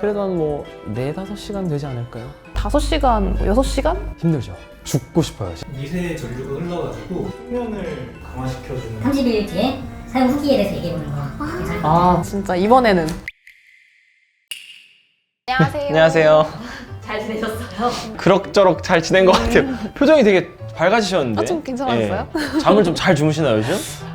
그래도 한 뭐 4-5시간 되지 않을까요? 5시간, 6시간? 힘들죠. 죽고 싶어요. 미세 전류가 흘러가지고 수면을 강화시켜주는 30일 뒤에 사용 후기에 대해서 얘기해보는 거 괜찮을 것 같아요. 아, 진짜 이번에는. 안녕하세요. 안녕하세요. 잘 지내셨어요? 그럭저럭 잘 지낸 것 같아요. 표정이 되게 밝아지셨는데. 아, 좀 괜찮았어요? 예. 잠을 좀 잘 주무시나요, 요즘?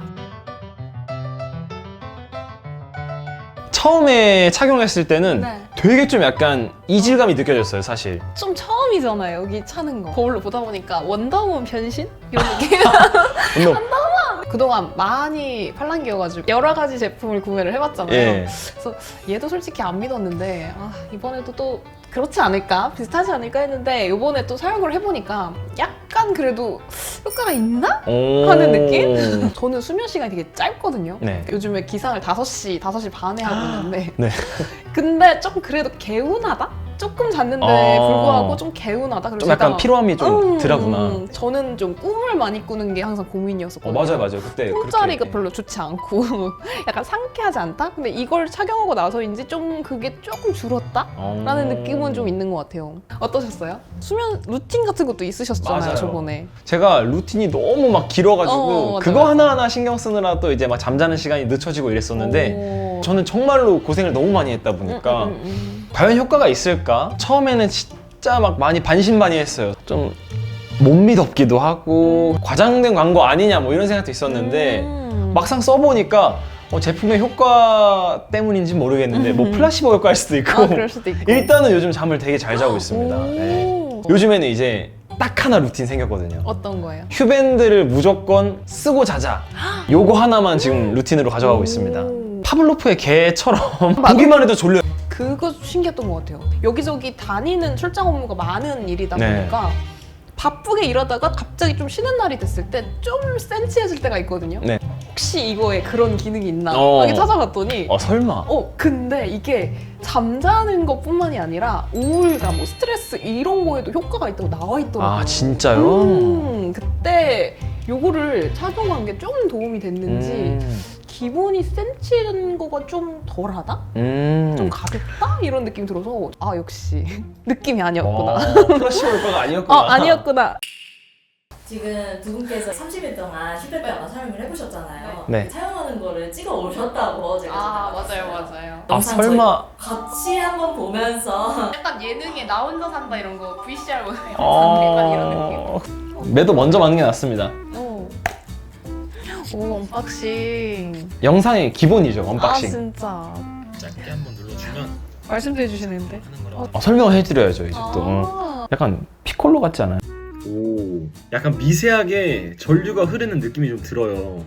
처음에 착용했을 때는 네. 되게 좀 약간 이질감이 느껴졌어요, 사실. 좀 처음이잖아요, 여기 차는 거. 거울로 보다 보니까 원더우먼 변신? 이런 느낌? 운동. 그동안 많이 팔랑귀여가지고 여러 가지 제품을 구매를 해봤잖아요. 예. 그래서 얘도 솔직히 안 믿었는데 이번에도 또 그렇지 않을까? 비슷하지 않을까 했는데 이번에 또 사용을 해보니까 약간 그래도 효과가 있나? 하는 느낌? 저는 수면 시간이 되게 짧거든요. 네. 요즘에 기상을 5시 반에 하고 있는데 네. 근데 조금 그래도 개운하다? 조금 잤는데 불구하고 좀 개운하다. 그래서 좀 약간 제가 피로함이 좀 덜하구나. 저는 좀 꿈을 많이 꾸는 게 항상 고민이었었거든요. 맞아요, 맞아요. 그때 꿈자리가 그렇게. 별로 좋지 않고 약간 상쾌하지 않다? 근데 이걸 착용하고 나서인지 좀 그게 조금 줄었다? 라는 느낌은 좀 있는 것 같아요. 어떠셨어요? 수면 루틴 같은 것도 있으셨잖아요, 맞아요. 저번에. 제가 루틴이 너무 막 길어가지고 맞아, 그거 맞아. 하나하나 신경 쓰느라 또 이제 막 잠자는 시간이 늦춰지고 이랬었는데 저는 정말로 고생을 너무 많이 했다 보니까 과연 효과가 있을까? 처음에는 진짜 막 많이 반신반의했어요. 좀 못 믿었기도 하고 과장된 광고 아니냐 뭐 이런 생각도 있었는데 막상 써보니까 제품의 효과 때문인지 모르겠는데 뭐 플라시보 효과일 수도 있고 그럴 수도 있고. 일단은 요즘 잠을 되게 잘 자고 있습니다. 오. 네. 요즘에는 이제 딱 하나 루틴 생겼거든요. 어떤 거예요? 휴밴드를 무조건 쓰고 자자. 요거 하나만 지금 루틴으로 가져가고 있습니다. 파블로프의 개처럼 보기만 해도 졸려요. 그거 신기했던 것 같아요. 여기저기 다니는 출장 업무가 많은 일이다 네. 보니까 바쁘게 일하다가 갑자기 좀 쉬는 날이 됐을 때 좀 센치해질 때가 있거든요. 네. 혹시 이거에 그런 기능이 있나? 어. 이렇게 찾아봤더니 설마. 근데 이게 잠자는 것뿐만이 아니라 우울감, 뭐 스트레스 이런 거에도 효과가 있다고 나와 있더라고요. 아, 진짜요? 그때 요거를 착용한 게 좀 도움이 됐는지 기분이 센치는 거가 좀 덜하다? 좀 가볍다? 이런 느낌이 들어서 역시 느낌이 아니었구나. 플라시보 효과가 아니었구나. 아니었구나. 지금 두 분께서 30일 동안 휴대폰 아마 사용을 해보셨잖아요. 네. 사용하는 거를 찍어 오셨다고 제가 맞아요. 영상 설마. 같이 한번 보면서 약간 예능에 나 혼자 산다 이런 거 VCR 약간 이런 느낌. 매도 먼저 맞는 게 낫습니다. 오, 언박싱. 영상의 기본이죠, 언박싱. 진짜. 짧게 한번 눌러주면 말씀해 주시는데. 하는 거라고. 설명을 해드려야죠, 이제 또. 약간 피콜로 같지 않아요? 오, 약간 미세하게 전류가 흐르는 느낌이 좀 들어요.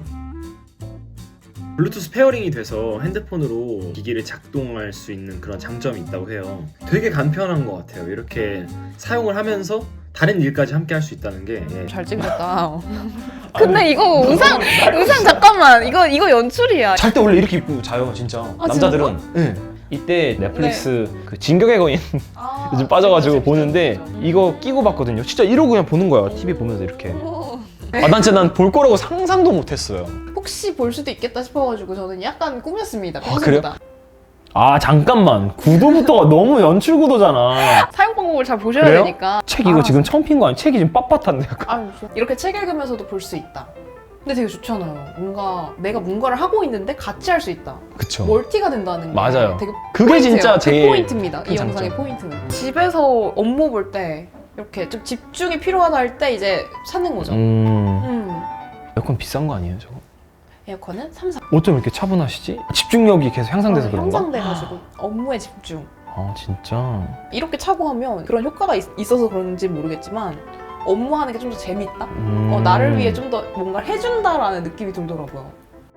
블루투스 페어링이 돼서 핸드폰으로 기기를 작동할 수 있는 그런 장점이 있다고 해요. 되게 간편한 것 같아요. 이렇게 사용을 하면서 다른 일까지 함께 할 수 있다는 게 잘 찍었다. 근데 이거 의상 잠깐만. 이거 연출이야. 잘 때 원래 이렇게 입고 자요, 진짜. 남자들은. 네. 이때 넷플릭스 그 진격의 거인 요즘 빠져가지고 보는데 이거 끼고 봤거든요. 진짜 이러고 그냥 보는 거야. TV 보면서 이렇게. 난 볼 거라고 상상도 못했어요. 혹시 볼 수도 있겠다 싶어가지고 저는 약간 꾸몄습니다. 그래요? 잠깐만. 구도부터가 너무 연출 구도잖아. 사용 방법을 잘 보셔야 그래요? 되니까. 책 이거 지금 처음 핀 거 아니야? 책이 지금 빳빳한데 약간. 이렇게 책 읽으면서도 볼 수 있다. 근데 되게 좋잖아요. 뭔가 내가 뭔가를 하고 있는데 같이 할 수 있다. 그쵸. 멀티가 된다는 게 맞아요. 되게 그게 포인트예요. 진짜 그 제일 포인트입니다. 큰 이 장점. 영상의 포인트는. 집에서 업무 볼 때 이렇게 좀 집중이 필요하다 할 때 이제 찾는 거죠. 에어컨 비싼 거 아니에요, 저거? 에어컨은 3, 4. 어쩜 이렇게 차분하시지? 집중력이 계속 향상돼서 그런가? 향상돼가지고 업무에 집중. 진짜. 이렇게 차고 하면 그런 효과가 있어서 그런지 모르겠지만 업무하는 게 좀 더 재밌다? 나를 위해 좀 더 뭔가 해준다라는 느낌이 들더라고요.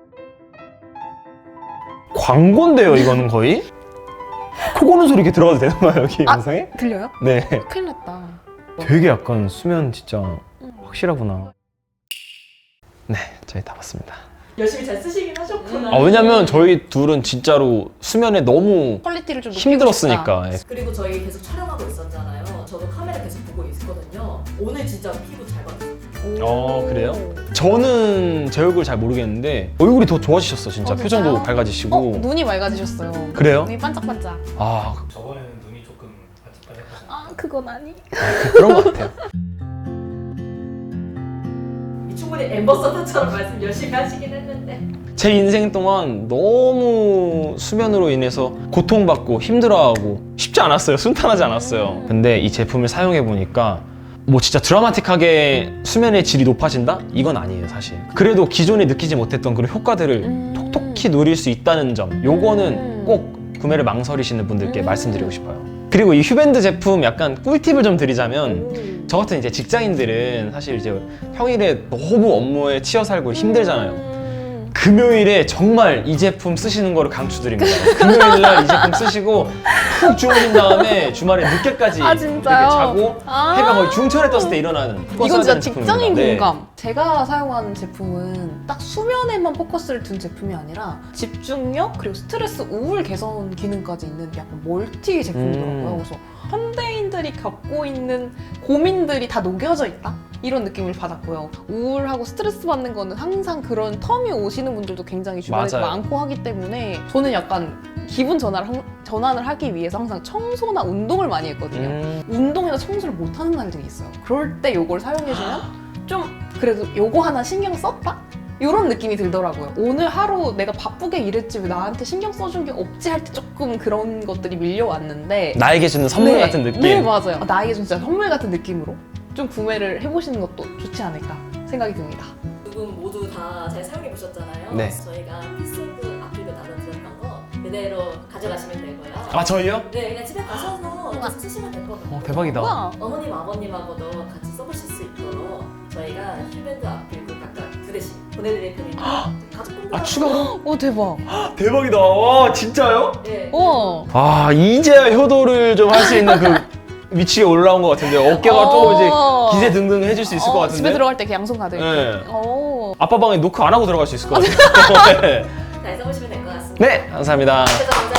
광고인데요, 이거는 거의? 코 고는 소리 이렇게 들어가도 되는 거예요, 여기 영상에? 들려요? 네. 큰일 났다. 되게 약간 수면 진짜 확실하구나. 네, 저희 다 봤습니다. 열심히 잘 쓰시긴 하셨구나. 왜냐면 저희 둘은 진짜로 수면에 너무 퀄리티를 좀 높이고 힘들었으니까. 그리고 저희 계속 촬영하고 있었잖아요. 저도 카메라 계속 보고 있었거든요. 오늘 진짜 피부 잘 받았어요. 그래요? 저는 제 얼굴 잘 모르겠는데 얼굴이 더 좋아지셨어 진짜. 진짜요? 표정도 밝아지시고. 눈이 맑아지셨어요. 그래요? 눈이 반짝반짝. 아 저번에는 눈이 조금 반짝반짝하셨어요. 아, 그건 아니. 그런 것 같아요. 충분히 엠버서더처럼 말씀 열심히 하시긴 했는데. 제 인생 동안 너무 수면으로 인해서 고통받고 힘들어하고 쉽지 않았어요. 순탄하지 않았어요. 근데 이 제품을 사용해 보니까 뭐 진짜 드라마틱하게 수면의 질이 높아진다? 이건 아니에요 사실. 그래도 기존에 느끼지 못했던 그런 효과들을 톡톡히 누릴 수 있다는 점, 요거는 꼭 구매를 망설이시는 분들께 말씀드리고 싶어요. 그리고 이 휴밴드 제품 약간 꿀팁을 좀 드리자면, 저 같은 이제 직장인들은 사실 이제 평일에 너무 업무에 치여 살고 힘들잖아요. 금요일에 정말 이 제품 쓰시는 거를 강추드립니다. 금요일날 이 제품 쓰시고 푹 주무신 다음에 주말에 늦게까지 아, 이렇게 진짜요? 자고 아. 해가 거의 중천에 떴을 때 일어나는. 그거 이건 써야 진짜 되는 직장인 제품입니다. 공감. 제가 사용하는 제품은 딱 수면에만 포커스를 둔 제품이 아니라 집중력 그리고 스트레스 우울 개선 기능까지 있는 약간 멀티 제품이더라고요. 그래서 현대인들이 겪고 있는 고민들이 다 녹여져 있다? 이런 느낌을 받았고요. 우울하고 스트레스 받는 거는 항상 그런 텀이 오시는 분들도 굉장히 주변에 맞아요. 많고 하기 때문에 저는 약간 기분 전환을 하기 위해서 항상 청소나 운동을 많이 했거든요. 운동이나 청소를 못하는 날들이 있어요. 그럴 때 요걸 사용해주면 좀 그래도 요거 하나 신경 썼다? 이런 느낌이 들더라고요. 오늘 하루 내가 바쁘게 일했지 왜 나한테 신경 써준 게 없지 할 때 조금 그런 것들이 밀려왔는데 나에게 주는 선물 네, 같은 느낌. 네, 맞아요. 나에게 진짜 선물 같은 느낌으로 좀 구매를 해보시는 것도 좋지 않을까 생각이 듭니다. 두 분 모두 다 잘 사용해 보셨잖아요. 네. 저희가 피스오프 아필도 나눠드렸던 거 그대로 가져가시면 되고요. 아 저희요? 네, 그냥 집에 가셔서 계속 쓰시면 될 거거든요. 대박이다. 우와. 어머님, 아버님하고도 같이 써보실 수 있도록 저희가 휴밴드 아필도 각각 2대씩 보내드릴 테니까 가족분들 아 추가로? 오 대박. 대박이다. 와 진짜요? 네. 우와. 아 이제야 효도를 좀 할 수 있는 그 위치에 올라온 것 같은데 어깨가 조금 이제 기세 등등 해줄 수 있을 것 같은데. 집에 들어갈 때 양손 가득. 네. 오. 아빠 방에 노크 안 하고 들어갈 수 있을 것 같아요. 네. 잘 써보시면 될 것 같습니다. 네 감사합니다. 그래서 먼저